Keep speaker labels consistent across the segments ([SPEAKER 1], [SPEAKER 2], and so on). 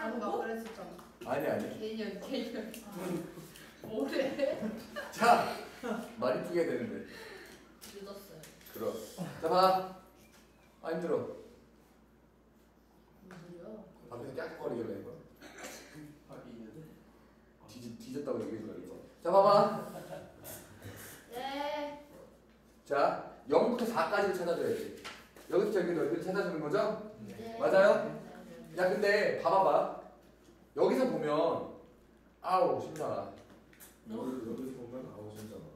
[SPEAKER 1] 아까 그랬었잖아.
[SPEAKER 2] 아니.
[SPEAKER 1] 개년. 뭐래?
[SPEAKER 2] 자, 말이 풀게 되는데.
[SPEAKER 1] 늦었어요.
[SPEAKER 2] 그럼. 자, 봐. 아, 힘들어.
[SPEAKER 1] 무슨 소리야?
[SPEAKER 2] 앞에서 깍거리길래 이거. 뒤졌다고 얘기해 주라 그랬지. 자, 봐봐.
[SPEAKER 1] 네.
[SPEAKER 2] 자, 0부터 4까지를 찾아줘야지. 여기서 저기 넓이를 찾아주는 거죠?
[SPEAKER 1] 네.
[SPEAKER 2] 맞아요? 야, 근데 봐봐봐. 여기서 보면 아우 신나라.
[SPEAKER 3] 여기서 보면 아우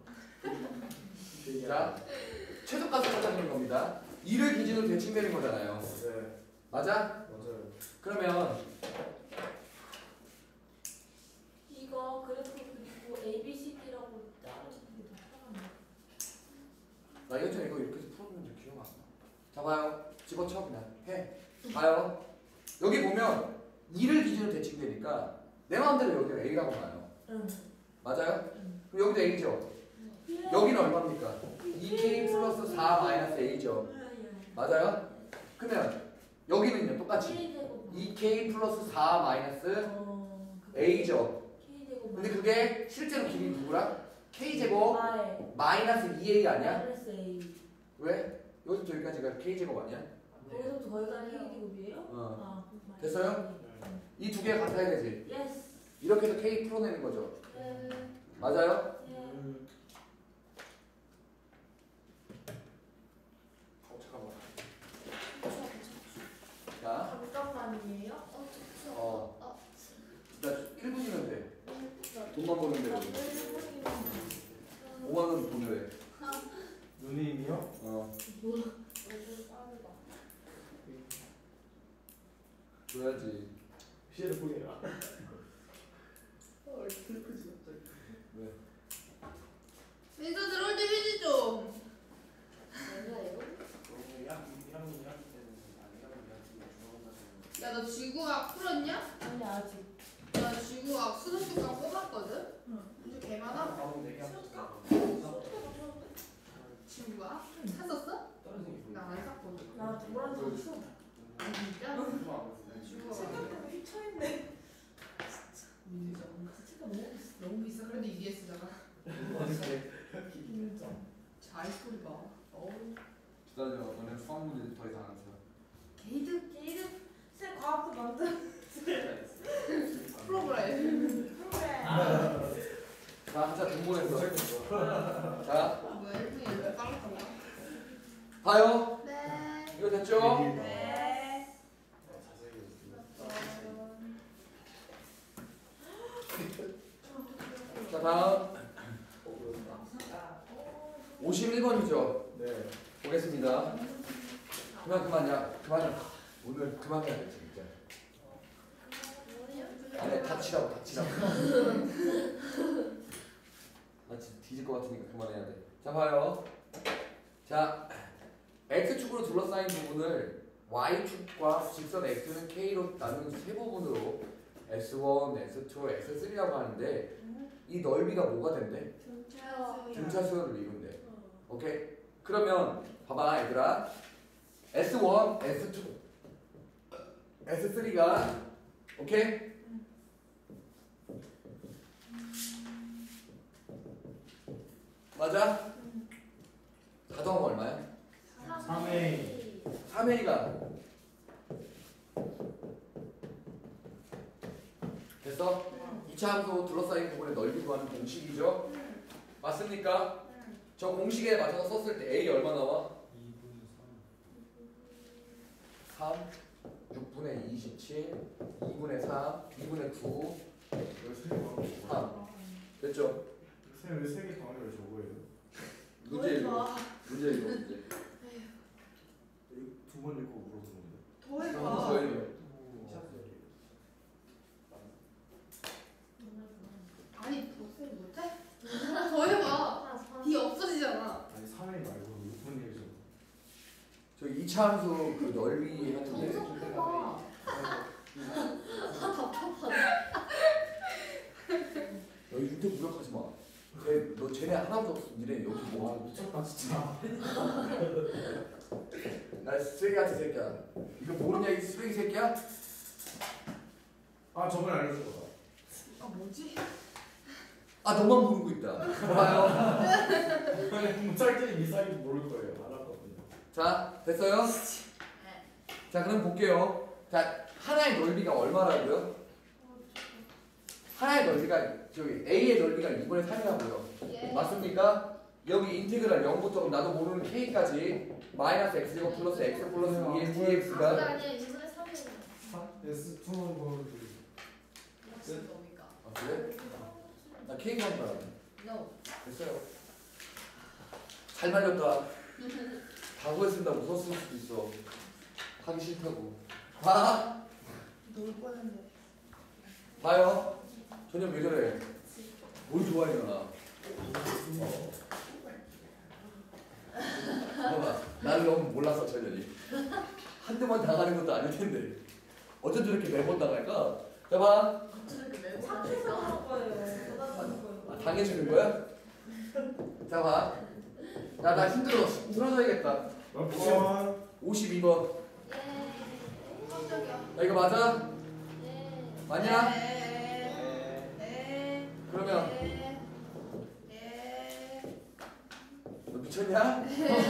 [SPEAKER 3] 신나라.
[SPEAKER 2] 자, 최소값을 찾아주는 겁니다. 2를 기준으로 대칭되는 거잖아요.
[SPEAKER 3] 네.
[SPEAKER 2] 맞아?
[SPEAKER 3] 맞아요.
[SPEAKER 2] 그러면
[SPEAKER 4] 이거 그래프 그리고 ABCD라고 자르는 게 더 편하네.
[SPEAKER 2] 나 예전에 이거 이렇게 해서 풀었는데 기억 안 나. 자, 봐요. 집어쳐 그냥 해. 봐요. 여기 보면 2를 기준으로 대칭되니까 내 마음대로 여기가 A라고 봐요.
[SPEAKER 4] 응.
[SPEAKER 2] 맞아요? 그럼 여기도 A죠? 여기는 얼마입니까? 2K 플러스 4 마이너스 A죠? 맞아요? 그러면 여기는요 똑같이 2K 플러스 4 마이너스 A죠?
[SPEAKER 4] K제곱
[SPEAKER 2] 근데 그게 실제로 길이 누구랑? K제곱
[SPEAKER 4] Y
[SPEAKER 2] 마이너스 2A 아니야?
[SPEAKER 4] 마이너스 A.
[SPEAKER 2] 왜? 여기서 저기까지가 K제곱 아니야?
[SPEAKER 4] 거기서부터 거기까지 K제곱이에요?
[SPEAKER 2] 어.
[SPEAKER 4] 아,
[SPEAKER 2] 됐어요? 이 두 개가 같아야 되지?
[SPEAKER 4] 예스.
[SPEAKER 2] 이렇게 해서 K 풀어내는 거죠?
[SPEAKER 4] 네.
[SPEAKER 2] 맞아요?
[SPEAKER 3] 잠깐만.
[SPEAKER 2] 자,
[SPEAKER 4] 잠깐만이에요?
[SPEAKER 2] 나 1분이면 돼. 돈만 버는 대로 5만 원 돈을 해.
[SPEAKER 3] 누님이요?
[SPEAKER 2] 어,
[SPEAKER 4] 너무 빠르다.
[SPEAKER 2] 줘야지.
[SPEAKER 3] 피해를 보게라.
[SPEAKER 1] 슬프지 갑자기.
[SPEAKER 2] 왜?
[SPEAKER 1] 민서 들어올 때 휴지 좀. 야, 너 지구학 풀었냐?
[SPEAKER 4] 아니 아직.
[SPEAKER 1] 나 지구학 수능특강 뽑았거든?
[SPEAKER 4] 응.
[SPEAKER 1] 문제 개 많아? 친구가? 샀었어? 나 안 샀거든.
[SPEAKER 4] 나 두번 샀어.
[SPEAKER 1] 아, 진짜? 지구학.
[SPEAKER 4] 생각보다 휘쳐있네.
[SPEAKER 1] 인정.
[SPEAKER 4] 진짜
[SPEAKER 1] 너무 비싸. 그래도 EBS잖아.
[SPEAKER 4] 인정.
[SPEAKER 1] 잘 소리 봐. 어우.
[SPEAKER 2] 기다려. 너네 수학 문제 더 이상 안 써.
[SPEAKER 1] 게이드
[SPEAKER 4] 쌤 과학도 만든.
[SPEAKER 1] 프로그램.
[SPEAKER 4] 그래.
[SPEAKER 2] 자, 진짜 돈 보냈어. 자,
[SPEAKER 1] 뭐야, 1분이 이렇게 빨랐던 거야?
[SPEAKER 2] 봐요.
[SPEAKER 1] 네.
[SPEAKER 2] 이거 됐죠?
[SPEAKER 4] 네.
[SPEAKER 2] 자, 다음 51번이죠.
[SPEAKER 3] 네.
[SPEAKER 2] 보겠습니다. 그만야. 오늘 그만해야 돼 진짜. 아니 닥치라고. 나 진짜 뒤질 것 같으니까 그만해야 돼. 자, 봐요. 자, x축으로 둘러싸인 부분을 y축과 직선 x는 k로 나누는 세 부분으로 s1, s2, s3라고 하는데 이 넓이가 뭐가 된대? 등차수열을 이룬대. 오케이? 그러면 봐봐 얘들아. S1, S2, S3가 오케이? 맞아? 다 더하면 얼마야?
[SPEAKER 3] 3A.
[SPEAKER 2] 3A가 됐어? 2차 함수 둘러싸인 부분의 넓이 구하는 공식이죠? 맞습니까? 저 공식에 맞춰서 썼을 때 A 얼마 나와? 3, 6분의 27, 2분의 3, 2분의 9, 3 됐죠?
[SPEAKER 3] 쌤 왜 세개 방을 왜 저거예요?
[SPEAKER 2] 문제 이거 문제
[SPEAKER 3] 두번 읽고 물어보는데.
[SPEAKER 1] 더
[SPEAKER 2] 더
[SPEAKER 1] 해봐.
[SPEAKER 2] 해요.
[SPEAKER 1] 아니, 더 못해? 더 해봐. D 없어지잖아.
[SPEAKER 3] 아니 3A 말고 6번 얘기죠.
[SPEAKER 2] 저 2차 함수 그 넓이 하는데
[SPEAKER 4] 해봐.
[SPEAKER 2] 너희 윤태 무력하지 마. 너 쟤네 하나도 없어. 니네 여기
[SPEAKER 3] 와
[SPEAKER 2] 뭐?
[SPEAKER 3] 미쳤다 진짜.
[SPEAKER 2] 나 쓰레기 같은 새끼야. 이거 모르냐 이 쓰레기 새끼야?
[SPEAKER 3] 아 저번에 알려준 거다.
[SPEAKER 1] 아 뭐지?
[SPEAKER 2] 아 너만 모르고 있다. 봐요.
[SPEAKER 3] 짤짤이 이상이 모를 거예요. 알았거든요.
[SPEAKER 2] 자 됐어요? 자 그럼 볼게요. 자 하나의 넓이가 얼마라고요? 하나의 넓이가 저기 A의 넓이가 2분의 3이라고요.
[SPEAKER 1] 예.
[SPEAKER 2] 맞습니까? 여기 인테그랄 0부터 나도 모르는 K까지 마이너스 X제곱 플러스 X 플러스 2의 dx가
[SPEAKER 1] 아니야 2분의 3이에요.
[SPEAKER 3] S2는 뭐
[SPEAKER 1] 무슨 겁니까?
[SPEAKER 2] 아 그래? 나 K가 한 거야.
[SPEAKER 1] No.
[SPEAKER 2] 됐어요. 잘 말렸다. 다 구했습니다. 웃었을 수도 있어. 하기 싫다고. 봐.
[SPEAKER 1] 놀 뻔했네.
[SPEAKER 2] 봐요. 전혀 왜 저래? 뭘 좋아해 나? 봐봐. 나를 너무 몰랐어 전현이. 한두 번 당하는 것도 아닐 텐데. 어쩜 저렇게 매번 당할까? 자 봐.
[SPEAKER 1] 저렇게 매번
[SPEAKER 4] 착해서
[SPEAKER 1] 하니까.
[SPEAKER 4] 하는 거예요. 받아주는 거예요.
[SPEAKER 2] 아, 당해주는 거야? 자 봐. 나 힘들어. 쓰러져야겠다.
[SPEAKER 3] 몇 번?
[SPEAKER 2] 52번.
[SPEAKER 1] 예. 깜짝이야.
[SPEAKER 2] 야 이거 맞아?
[SPEAKER 4] 네.
[SPEAKER 2] 맞냐?
[SPEAKER 1] 네.
[SPEAKER 2] 그러면
[SPEAKER 1] 네. 네.
[SPEAKER 2] 너 미쳤냐?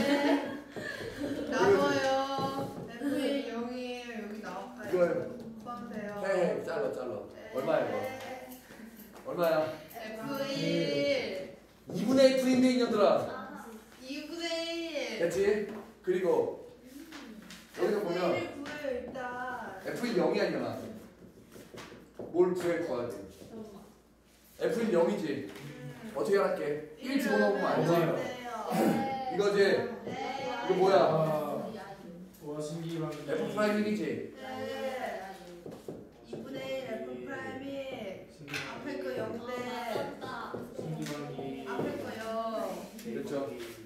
[SPEAKER 1] 나와요. F1 0이에요. 여기 나올까요?
[SPEAKER 2] 이거
[SPEAKER 1] 포함돼요.
[SPEAKER 2] 해 잘라. 얼마야 이거? 얼마야?
[SPEAKER 1] F1
[SPEAKER 2] 2분의 F인데 이년들아.
[SPEAKER 4] 아,
[SPEAKER 1] 2분의 1.
[SPEAKER 2] 됐지? 그리고 여기서 보면
[SPEAKER 1] F1을 구해요 일단.
[SPEAKER 2] F인 0이 아니잖아. 뭘 구해 구해야 돼? F인 0이지. 어떻게 할게? 1 집어넣으면 안
[SPEAKER 3] 맞아요.
[SPEAKER 2] 돼. 이거지?
[SPEAKER 1] 네.
[SPEAKER 2] 이거 뭐야?
[SPEAKER 3] 와 신기한.
[SPEAKER 2] F 프라임 1이지?
[SPEAKER 1] 네. 2분의 1 F 프라임이 앞에 거 0대
[SPEAKER 4] 맞다.
[SPEAKER 3] 신기한.
[SPEAKER 1] 앞에 거요.
[SPEAKER 2] 그렇죠.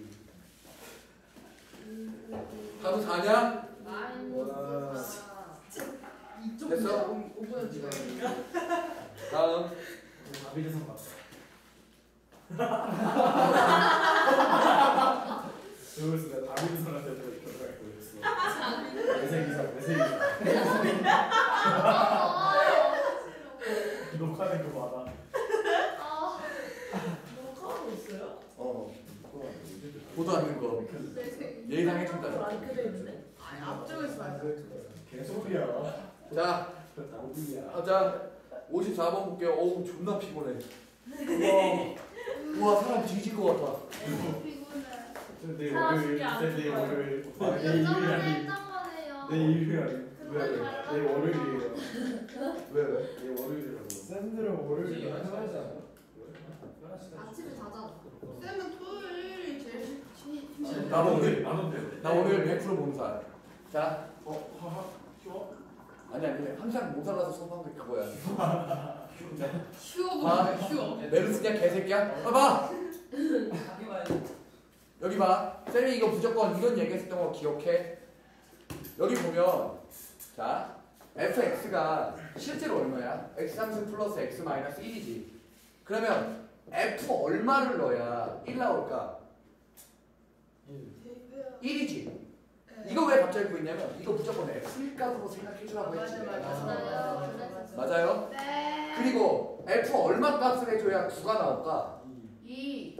[SPEAKER 2] 다도 4냐? 됐어? 다음.
[SPEAKER 3] 다비드선 맞다. 그래서 내가 다비드선한테 결혼할 거였어. 내생이사. 녹화된 거 봐라.
[SPEAKER 4] 아, 녹화하고 있어요?
[SPEAKER 2] 보도 않는 거. 예의상 해준다.
[SPEAKER 4] 안 켜져 있는데?
[SPEAKER 1] 앞쪽에서 말고.
[SPEAKER 3] 개소리야.
[SPEAKER 2] 자,
[SPEAKER 3] 나오야.
[SPEAKER 2] 하자. 54번 볼게요. 어우 존나 피곤해. 우와 사람 뒤질 것 같아.
[SPEAKER 1] 피곤해.
[SPEAKER 3] 내
[SPEAKER 4] 사람이
[SPEAKER 3] 월요일,
[SPEAKER 4] 안
[SPEAKER 3] 내
[SPEAKER 4] 좋아요.
[SPEAKER 3] 월요일. 내
[SPEAKER 1] 몇
[SPEAKER 3] 일요일
[SPEAKER 1] 점을
[SPEAKER 3] 아니.
[SPEAKER 1] 했던 거네요.
[SPEAKER 3] 내 일요일 아니. 내 월요일이에요.
[SPEAKER 2] 왜?
[SPEAKER 3] 내 월요일이라고. 쌤들은 월요일 하잖아.
[SPEAKER 1] 아침에 자잖아. 쌤은 토요일이 제일 좋지.
[SPEAKER 2] 나 오늘
[SPEAKER 3] 안
[SPEAKER 2] 나 오늘 100% 몸살. 자,
[SPEAKER 3] 하하. 쉬워?
[SPEAKER 2] 아니 항상 몸살나서 수업한 게 그거야.
[SPEAKER 1] 쉬워
[SPEAKER 2] 봐.
[SPEAKER 1] 보이네. 쉬워.
[SPEAKER 2] 메르스냐 개새끼야? 봐봐. 여기 봐. 쌤이 이거 무조건 이런 얘기했었던 거 기억해. 여기 보면 자 fx가 실제로 얼마야? x3승 플러스 x 마이너스 1이지. 그러면 f 얼마를 넣어야 1 나올까? 1이지. 이거 왜 갑자기 보이냐면 이거 무조건 f1 값으로 생각해주라고 했지. 맞아요?
[SPEAKER 1] 네.
[SPEAKER 2] 그리고 f 얼마 값을 해줘야 9가 나올까?
[SPEAKER 1] 2.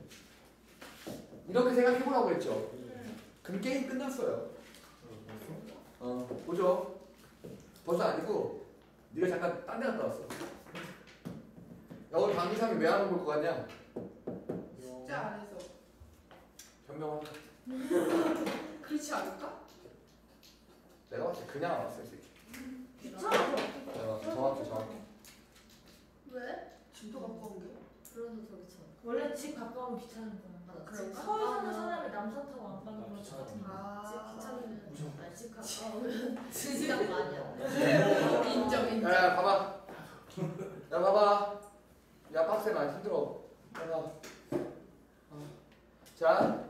[SPEAKER 2] 이렇게 생각해보라고 했죠. 그럼 게임 끝났어요. 보죠. 벌써 아니고 네가 잠깐 딴 데 갔다 왔어. 야 오늘 강의상이 왜 안 올 것 같냐?
[SPEAKER 1] 진짜 안 해서.
[SPEAKER 2] 변명한다.
[SPEAKER 1] 그렇지 않을까?
[SPEAKER 2] 내가 봤을 때 그냥 안 왔어 이 새끼.
[SPEAKER 4] 귀찮아서.
[SPEAKER 2] 정확히.
[SPEAKER 1] 왜? 집도 갖고 온 게?
[SPEAKER 5] 그래서 더 귀찮아.
[SPEAKER 4] 원래 집 가까우면 귀찮은 거야.
[SPEAKER 5] 맞아.
[SPEAKER 1] 그런가?
[SPEAKER 5] 집
[SPEAKER 4] 서울 사는
[SPEAKER 5] 가까우면-
[SPEAKER 4] 사람이 남산 타고 안 가는 거랑
[SPEAKER 3] 귀찮아.
[SPEAKER 4] 똑같은 거야.
[SPEAKER 1] 아.
[SPEAKER 5] 집 가까우면 2시간 만이야.
[SPEAKER 1] 인정.
[SPEAKER 2] 야 봐봐. 야 봐봐. 야 빡세 많이 힘들어. 봐봐. 자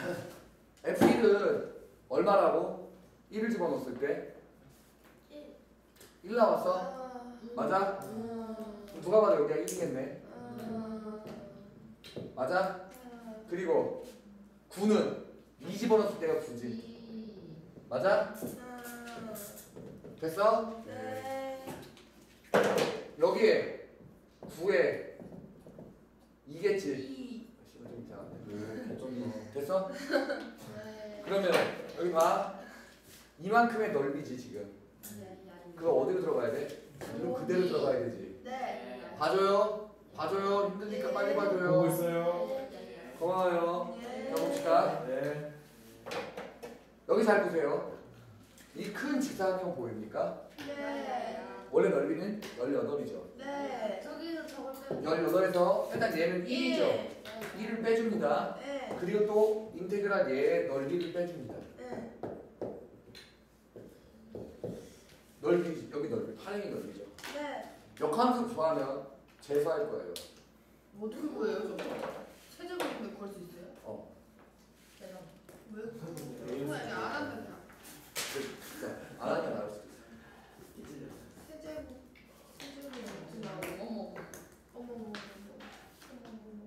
[SPEAKER 2] F1은 얼마라고? 1을 집어넣었을 때 1 나왔어? 맞아? 그럼 누가 봐도 여기가 1이겠네. 맞아? 그리고 9는 2 집어넣었을 때가 9지. 맞아? 됐어?
[SPEAKER 1] 네.
[SPEAKER 2] 몇개 9에 2겠지.
[SPEAKER 1] 2.
[SPEAKER 2] 씨발 좀 이상한데. 됐어?
[SPEAKER 5] 네.
[SPEAKER 2] 그러면 여기 봐. 이만큼의 넓이지 지금. 그거 어디로 들어가야 돼? 그럼 그대로 들어가야 되지.
[SPEAKER 1] 네.
[SPEAKER 2] 봐줘요. 봐줘요. 힘드니까 빨리
[SPEAKER 3] 보고
[SPEAKER 2] 봐줘요.
[SPEAKER 3] 있어요.
[SPEAKER 2] 고마워요.
[SPEAKER 1] 네.
[SPEAKER 2] 자 봅시다.
[SPEAKER 3] 네.
[SPEAKER 2] 여기 잘 보세요. 이 큰 직사각형 보입니까?
[SPEAKER 1] 네.
[SPEAKER 2] 원래 넓이는 18이죠.
[SPEAKER 1] 네.
[SPEAKER 5] 저기서 저걸 빼면
[SPEAKER 2] 18에서 일단 얘는 1이죠. 1을 빼줍니다.
[SPEAKER 1] 네.
[SPEAKER 2] 그리고 또 인테그랄 얘의 넓이를 빼줍니다.
[SPEAKER 1] 네.
[SPEAKER 2] 넓이 여기 넓이 파랭이 넓이죠.
[SPEAKER 1] 네.
[SPEAKER 2] 역함수 구하면 재수할 거예요.
[SPEAKER 1] 어떻게 보여요, 저거? 세제곱인데 구할 수 있어요?
[SPEAKER 2] 어.
[SPEAKER 5] 내가
[SPEAKER 1] 왜? 정말 안 한다, 그냥.
[SPEAKER 2] 안 하면 나올 수도 있어.
[SPEAKER 1] 세제곱. 세제곱이 어떻게 나오고? 어머. 어머, 어머, 어머. 어머, 어머.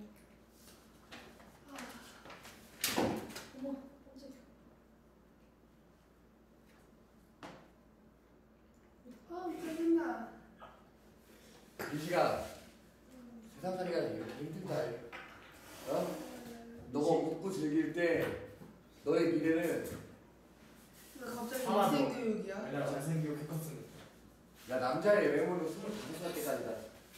[SPEAKER 5] 어머 깜짝이야.
[SPEAKER 1] 짜증나.
[SPEAKER 2] 유시가 세상 살이가 이렇게 힘들다. 어? 너가 웃고 즐길 때 너의 미래는
[SPEAKER 1] 왜 갑자기
[SPEAKER 3] 하나 더.
[SPEAKER 1] 인생 교육이야?
[SPEAKER 3] 왜냐면 잘생기고 키 컸으니까.
[SPEAKER 2] 야 남자의 외모는 25살 때까지다.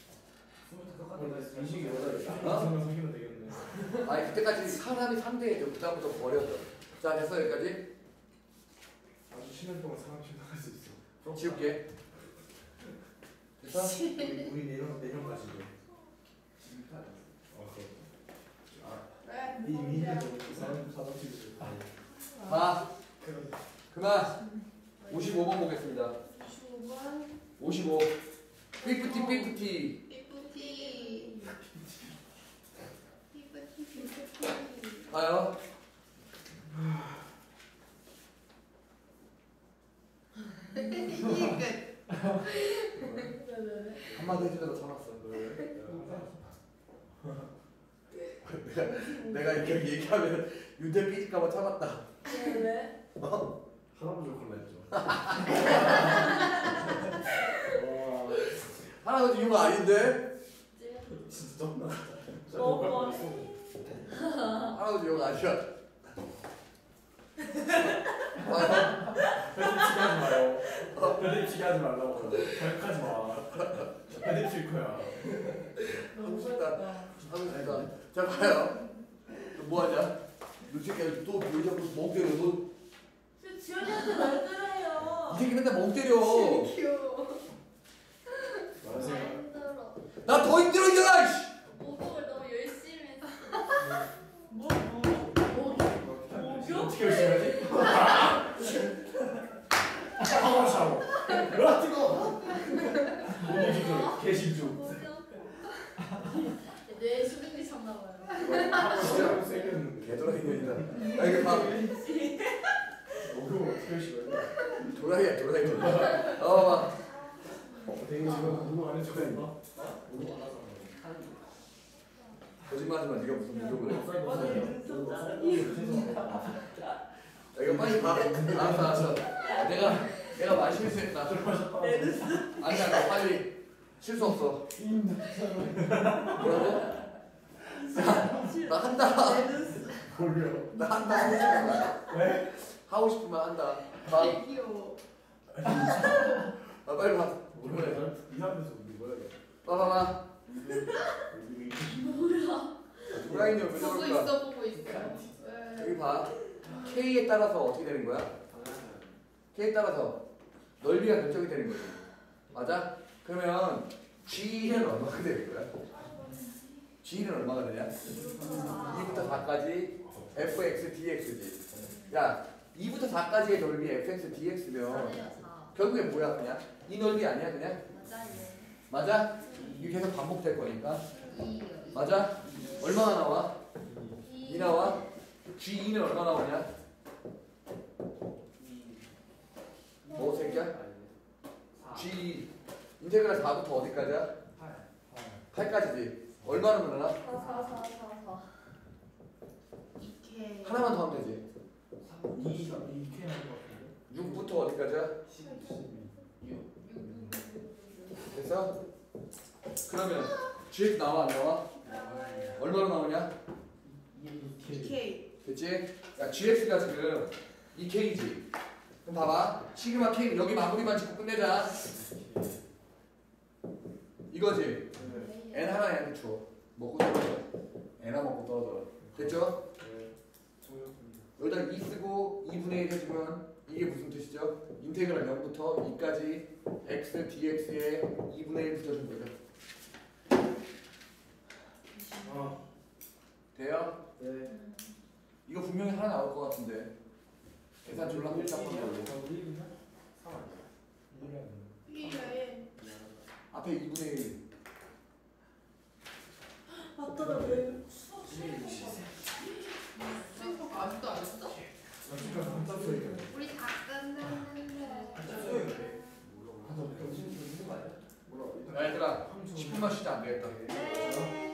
[SPEAKER 3] 인식이 여자를
[SPEAKER 2] 어?
[SPEAKER 3] 딱 사귀면 되겠네.
[SPEAKER 2] 아니 그때까지 사람이 3대해줘. 그다음부터 버려줘. 자 됐어 여기까지.
[SPEAKER 3] 아주 10년 동안 사람 신나갈 수 있어.
[SPEAKER 2] 지울게. 됐어?
[SPEAKER 3] 우리 내년까지.
[SPEAKER 1] 왜?
[SPEAKER 3] 이미 힘들어. 사람 치고.
[SPEAKER 2] 봐. 그만. 55번 보겠습니다.
[SPEAKER 1] 25번.
[SPEAKER 2] 55. 삐뿌티 삐뿌티.
[SPEAKER 1] 삐뿌티. 삐뿌티, 삐뿌티.
[SPEAKER 2] 봐요.
[SPEAKER 1] 이게 끝.
[SPEAKER 2] 한마디 해주려고 참았어. 내가 이렇게 얘기하면 윤재 삐질까봐 참았다.
[SPEAKER 4] 왜?
[SPEAKER 2] 어?
[SPEAKER 3] 할아버지 콜라 했죠.
[SPEAKER 2] 할아버지 이거 아닌데?
[SPEAKER 3] 진짜 쩐다.
[SPEAKER 4] 뭐
[SPEAKER 2] 할아버지 이거 아니야.
[SPEAKER 3] 편집치기 하지 마요. 편집치기 하지 말라고. 결까지 마. 편집칠 거야.
[SPEAKER 2] 하고 싶다. 하고 싶다. 자 봐요. 너 뭐하냐? 너 새끼야 또왜 자꾸 멍 때려? 너 이
[SPEAKER 4] 지연이한테 말 들어요.
[SPEAKER 2] 새끼 맨날 멍 때려.
[SPEAKER 1] 귀여워.
[SPEAKER 3] 말하세요.
[SPEAKER 5] 힘들어.
[SPEAKER 2] 나 더 힘들어 이제라. 씨.
[SPEAKER 5] 목욕을 너무 열심히 했어.
[SPEAKER 3] 어떻게 열심히 하지? 샤워 샤워. 으아 뜨거워. 목이 지금 개심중.
[SPEAKER 5] 뇌 수분이 찼나 봐요.
[SPEAKER 3] 진짜 세겠는데.
[SPEAKER 2] 개도라이 년이다. 아 이거 봐.
[SPEAKER 3] 목욕을 어떻게 열심히 해?
[SPEAKER 2] 도라이야 도라이 년. 봐.
[SPEAKER 3] 되게 지금 목욕 안 해줄 거야? 목욕 안 하잖아.
[SPEAKER 2] 거짓말하지마. 네가 무슨 목욕을 해?
[SPEAKER 3] 아,
[SPEAKER 2] 이거 빨리 봐. 알았어. 내가 많이 실수했다. 아니야 나 빨리 실수 없어. 뭐라고? 나 한다.
[SPEAKER 3] 몰려.
[SPEAKER 2] 나 한다. 하고 싶은 거야.
[SPEAKER 3] 왜?
[SPEAKER 2] 하고 싶으면 한다. 봐.
[SPEAKER 1] 되게 귀여워.
[SPEAKER 2] 빨리 봐.
[SPEAKER 3] 몰라. 이 사람에서 우리 뭐야 이거?
[SPEAKER 2] 봐봐봐. 도라이 년 왜
[SPEAKER 1] 보고
[SPEAKER 2] 저럴까?
[SPEAKER 1] 있어, 보고 있어. 왜?
[SPEAKER 2] 여기 봐. K에 따라서 어떻게 되는 거야? K에 따라서 넓이가 결정이 되는 거지. 맞아? 그러면 G는 얼마가 되는 거야? G는 얼마가 되냐? 2부터 4까지 fx dx지. 야, 2부터 4까지의 넓이 fx dx면
[SPEAKER 5] 4네요 4.
[SPEAKER 2] 결국에 뭐야 그냥? 이 넓이 아니야 그냥?
[SPEAKER 5] 맞아요.
[SPEAKER 2] 맞아? 이게 계속 반복될 거니까.
[SPEAKER 5] 2요.
[SPEAKER 2] 맞아? 얼마나 나와? 2 나와? G2는 얼마 나오냐? 뭐 새끼야? G 인테그랄 4부터 어디까지야? 8까지지. 얼마나 늘어나?
[SPEAKER 5] 4.
[SPEAKER 1] 이케.
[SPEAKER 2] 하나만 더 하면 되지.
[SPEAKER 3] 2K 나올 것 같은데.
[SPEAKER 2] 6부터 어디까지야? 됐어? 그러면 GX 나와 안 나와? 얼마로 나오냐?
[SPEAKER 1] 2K.
[SPEAKER 2] 됐지? 야 GX가 지금 2K지. 그럼 봐봐. 시그마 K 여기 마무리만 짓고 끝내자. 이거지. N 하나 얘한테 줘. 먹고 떨어져. N 하나 먹고 떨어져. 됐죠? 여기다 2 쓰고 2분의 1 해주면 이게 무슨 뜻이죠? 인테그랄 0부터 2까지 x dx에 2분의 1 붙여준 거죠. 돼요?
[SPEAKER 3] 네.
[SPEAKER 2] 이거 분명히 하나 나올 것 같은데 계산 졸라 복잡한 걸로
[SPEAKER 1] B에
[SPEAKER 2] 앞에 2분의 1
[SPEAKER 4] 맞더라 왜?
[SPEAKER 1] 수익 아직도 안 했어?
[SPEAKER 5] 우리 다 끝났는데.
[SPEAKER 2] 야 얘들아 10분만 쉬자 안 되겠다.
[SPEAKER 5] 네.